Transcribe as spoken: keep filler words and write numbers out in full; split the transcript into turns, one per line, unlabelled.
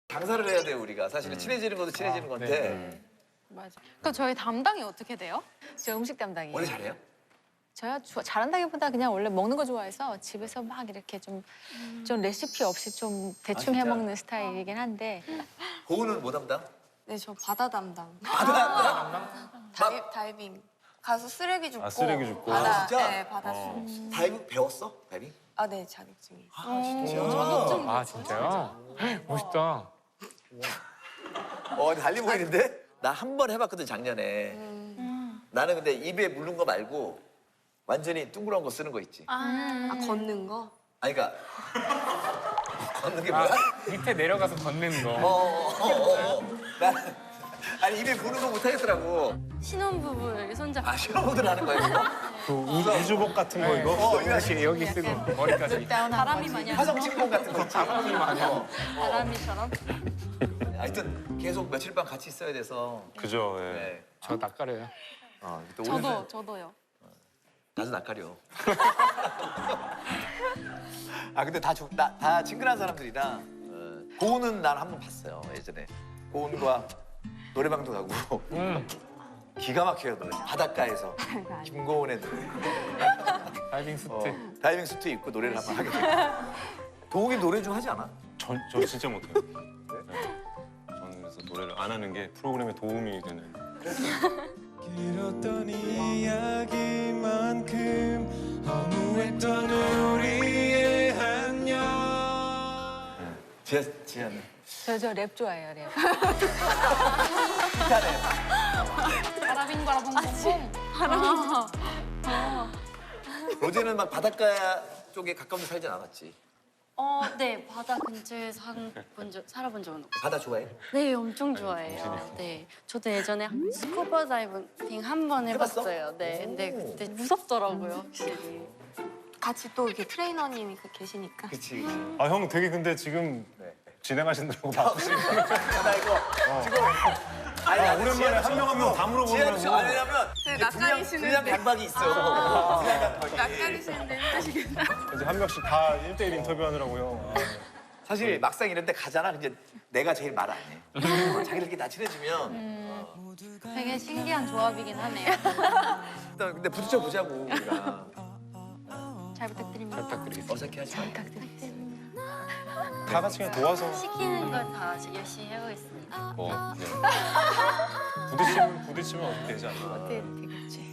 장사를 해야 돼요 우리가. 사실은 친해지는 것도 친해지는 건데.
네.
맞아. 그럼 저희 담당이 어떻게 돼요? 저 음식 담당이에요.
원래 잘해요?
저요? 주- 잘한다기보다 그냥 원래 먹는 거 좋아해서 집에서 막 이렇게 좀, 좀 레시피 없이 좀 대충
아, 진짜?
해먹는 스타일이긴 한데
고은은 뭐 담당?
네, 저 바다 담당.
바다 담당?
다이, 다이빙. 가서 쓰레기 줍고.
아, 쓰레기 줍고.
바다,
아, 진짜?
네, 바다 줍고.
다이빙 배웠어? 다이빙?
아, 네, 자격증이.
아 진짜?
아 진짜요? 멋있다.
어 근데 달리 보이는데? 나 한 번 해봤거든 작년에. 나는 근데 입에 물는 거 말고 완전히 둥그런 거 쓰는 거 있지.
아, 걷는 거?
아니 그러니까 걷는 게
아,
뭐야?
밑에 내려가서 걷는 거.
어어어어. 나 아니 입에 부는 거 못하겠더라고.
신혼부부 여기 손잡고
아 신혼부들 하는 거야 이거?
그 우- 우주복 같은 거 이거?
어 이거
이렇게 여기 쓰고 머리까지.
바람이 많이 안
화성 칭공 같은 거 있지?
바람이 많이 안
바람이처럼
하여튼 계속 며칠 밤 같이 있어야 돼서.
그죠. 예.
네.
저 낯가려요.
어, 또
저도,
오늘은
저도요.
나도 낯가려. 아 근데 다, 조, 나, 다 친근한 사람들이라 어, 고은은 난 한 번 봤어요 예전에. 고은과 노래방도 가고
음.
기가 막혀요 노래. 바닷가에서 김고은의 노래.
다이빙 수트.
어, 다이빙 수트 입고 노래를 한번 하게 돼요. 도욱이 노래 좀 하지 않아?
저, 저 진짜 못해요. 네. 저는 그래서 노래를 안 하는 게 프로그램에 도움이 되는.
길었던 이야기만큼 허무했던 우리의 안녕.
지아, 지아는?
저 저 랩 좋아해요, 랩.
기타네.
바라빙 바라봉봉봉
로제는 막 바닷가 쪽에 가까운 데 살진 않았지?
어, 네 바다 근처에 살본 적, 살아본 적은 없어요.
바다 좋아해?
네 엄청 좋아해요. 네 저도 예전에 스쿠버 다이빙 한 번
해봤어?
해봤어요. 네 근데 그때 무섭더라고요 확실히.
같이 또 이렇게 트레이너님이 그 계시니까.
그치.
아, 형 되게 근데 지금
네.
진행하신다고 바쁘시네.
나 이거 지금 아니
아, 오랜만에 한 명 한 명 다 물어보느라고.
지아는 아니 왜냐면
네,
분량,
낯가리시는데.
분량 강박이 있어. 분량 강박이.
낯가리시는데 힘드시겠다.
이제 한 명씩 다 일대일 인터뷰하느라고요. 아.
사실 막상 이런 데 가잖아. 이제 내가 제일 말 안 해. 어, 자기들끼리 다 친해지면
되게 신기한 조합이긴 하네요.
일단 근데 부딪혀 보자고 우리가.
잘 부탁드립니다.
잘 부탁드리겠습니다.
어색해 하지 마.
다 같이 그냥 도와서.
시키는 걸 다 열심히 해보겠습니다.
뭐, 네. 부딪히면, 부딪히면 어떻게 되지 않나.
어떻게 되겠지?